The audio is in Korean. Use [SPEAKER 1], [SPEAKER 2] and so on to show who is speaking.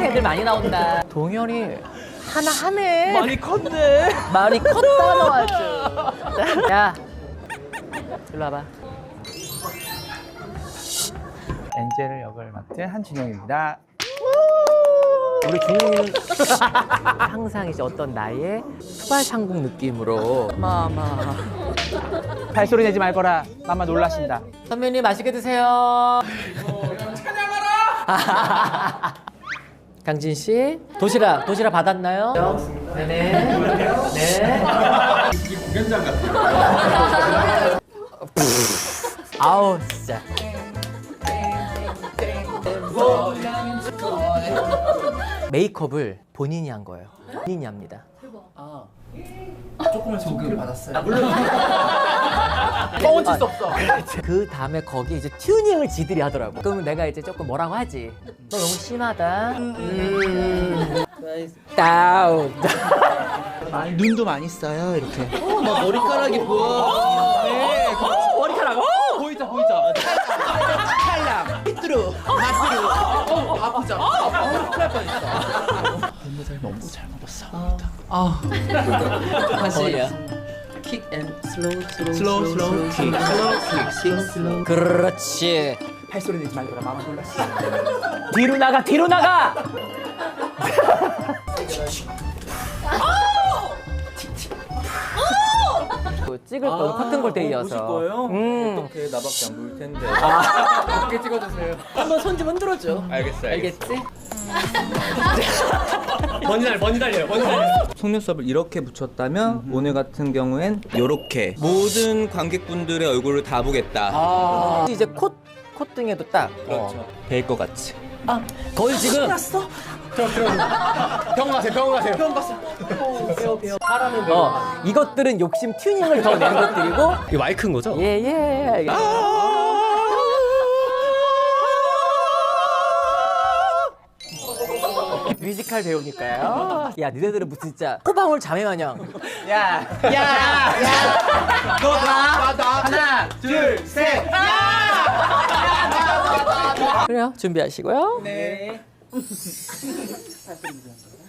[SPEAKER 1] 애들 많이 나온다. 동현이 하나 하네.
[SPEAKER 2] 많이 컸네.
[SPEAKER 1] 말이 컸다 너 아주. 야, 일로 와봐.
[SPEAKER 2] 엔젤 역을 맡은 한준영입니다.
[SPEAKER 1] 우리 준영이는 항상 이제 어떤 나의 수발상국 느낌으로 마마.
[SPEAKER 2] 발소리 내지 말거라. 마마 놀라신다.
[SPEAKER 1] 선배님 맛있게 드세요. 강진 씨, 도시락 받았나요? 네네. 네.
[SPEAKER 3] 이게 공연장 같아요.
[SPEAKER 1] 아우 진짜. 메이크업을 본인이 한 거예요. 본인이 합니다.
[SPEAKER 2] 조금은 소개를 받았어요.
[SPEAKER 1] 뻥은 칠수 없어. 그 다음에 거기 이제 튜닝을 지들이 하더라고. 그러면 내가 이제 조금 뭐라고 하지. 너 너무 심하다. 다운.
[SPEAKER 2] 눈도 많이 써요 이렇게.
[SPEAKER 4] 막 머리카락이 보여.
[SPEAKER 1] 네. 머리카락.
[SPEAKER 2] 보이죠. 칼랑. 삐뚤어. 마스루. 아프죠. 큰일 뻔했어. 너무 잘 먹었어.
[SPEAKER 4] 다시. 킥 앤 슬로우 킥.
[SPEAKER 1] 그렇지.
[SPEAKER 2] 발소리 내지 말거라. 마마 놀랐어.
[SPEAKER 1] 뒤로 나가. 찍을 거 커튼콜 데이여서.
[SPEAKER 4] 보실 거예요?
[SPEAKER 1] 음.
[SPEAKER 4] 어떻게 나밖에 안 보일 텐데.
[SPEAKER 1] 어떻게 찍어주세요. 한번 손 좀 흔들어줘. 알겠지?
[SPEAKER 4] 번지 달려요. 속눈썹을 이렇게 붙였다면 오늘 같은 경우엔 이렇게 모든 관객분들의 얼굴을 다 보겠다.
[SPEAKER 1] 이제 콧등에도 딱.
[SPEAKER 4] 그렇죠. 될 것 같이.
[SPEAKER 1] 거의 지금.
[SPEAKER 4] 병원 가세요.
[SPEAKER 1] 배워. 이것들은 욕심 튜닝을 더 낸 것들이고.
[SPEAKER 4] 이거 마이크인 거죠?
[SPEAKER 1] 예. 뮤지컬 배우니까요. 야, 니네들은 무슨 진짜 호방울 자매 마냥.
[SPEAKER 2] 야. 너 하나, 둘, 셋.
[SPEAKER 1] 그래요. 준비하시고요.
[SPEAKER 2] 네.